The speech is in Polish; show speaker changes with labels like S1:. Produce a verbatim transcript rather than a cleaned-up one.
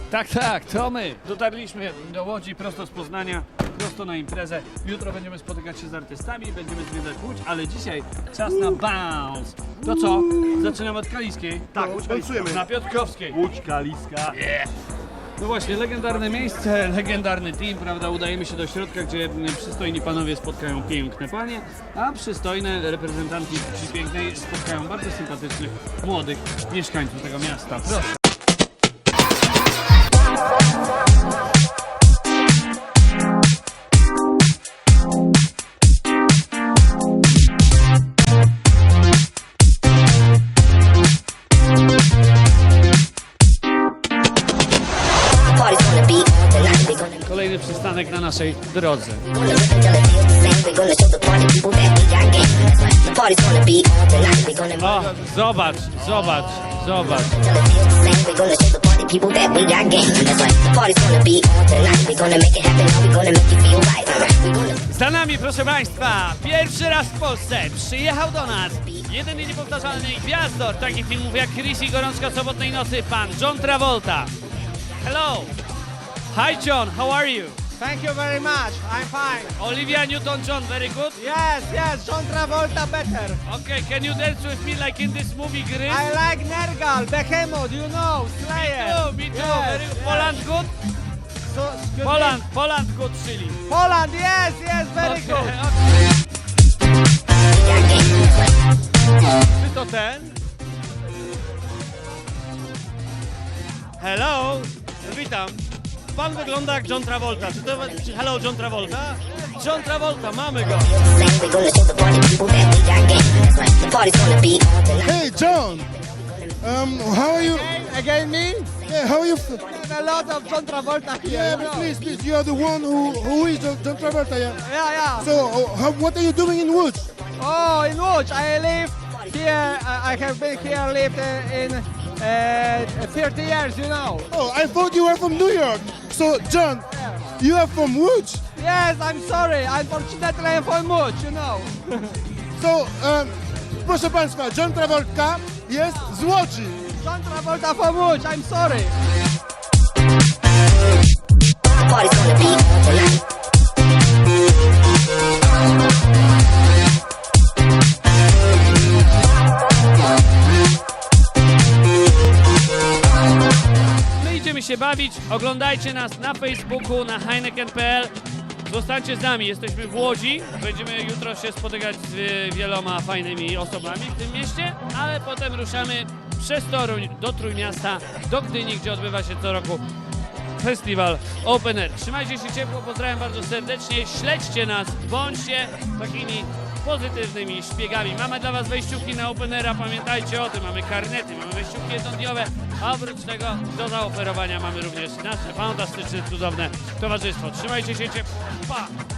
S1: Tak, tak, to my. Dotarliśmy do Łodzi prosto z Poznania, prosto na imprezę. Jutro będziemy spotykać się z artystami, będziemy zwiedzać Łódź, ale dzisiaj czas na bounce. To co? Zaczynamy od Kaliskiej.
S2: Tak, Łódź Kaliska.
S1: Na Piotrkowskiej.
S2: Łódź Kaliska.
S1: Yeah. No właśnie, legendarne miejsce, legendarny team, prawda? Udajemy się do środka, gdzie przystojni panowie spotkają piękne panie, a przystojne reprezentantki płci pięknej spotkają bardzo sympatycznych, młodych mieszkańców tego miasta. Proszę. Kolejny przystanek na naszej drodze. O, zobacz, zobacz, zobacz. Za nami, proszę Państwa, pierwszy raz w Polsce przyjechał do nas jeden i niepowtarzalny gwiazdor takich filmów jak Chris i Gorączka Sobotnej Nocy, pan John Travolta. Hello! Hi John, how are you?
S3: Thank you very much. I'm fine.
S1: Olivia Newton-John, very good?
S3: Yes, yes, John Travolta better.
S1: Okay, can you dance with me like in this movie, Gris?
S3: I like Nergal, Behemoth, you know, Slayer.
S1: Me too, me too.
S3: Yes,
S1: Very good.
S3: yes.
S1: Poland good?
S3: So, excuse
S1: Poland,
S3: me?
S1: Poland good, Chile.
S3: Poland, yes, yes, very
S1: Okay,
S3: good.
S1: okay. Czy to ten? Hello, witam. Pan wygląda jak John Travolta. Czy to... Czy, hello, John Travolta? John Travolta, mamy go.
S4: Hey, John. Um, how are you?
S3: Again me?
S4: Yeah, how are you?
S3: And a lot of John Travolta here.
S4: Yeah,
S3: you
S4: but
S3: know.
S4: please, please, you are the one who who is John, John Travolta. Yeah.
S3: Yeah, yeah.
S4: So, uh, how, what are you doing in Łódź?
S3: Oh, in Łódź, I live here. I I have been here, lived uh, in uh, thirty years, you know.
S4: Oh, I thought you were from New York. So, John, you are from Łódź.
S3: Yes, I'm sorry. Unfortunately, I'm from Łódź, you know.
S4: So, um, proszę Państwa, John Travolta jest z Łodzi.
S3: John Travolta from Łódź, I'm sorry.
S1: My idziemy się bawić. Oglądajcie nas na Facebooku, na heineken kropka p l. Zostańcie z nami, jesteśmy w Łodzi. Będziemy jutro się spotykać z y, wieloma fajnymi osobami w tym mieście, ale potem ruszamy przez Toruń do Trójmiasta, do Gdyni, gdzie odbywa się co roku festiwal Open Air. Trzymajcie się ciepło, pozdrawiam bardzo serdecznie, śledźcie nas, bądźcie takimi pozytywnymi szpiegami. Mamy dla Was wejściówki na Open Aira, pamiętajcie o tym, mamy karnety, mamy wejściówki jednodniowe, a oprócz tego do zaoferowania mamy również nasze fantastyczne, cudowne towarzystwo. Trzymajcie się ciepło, pa!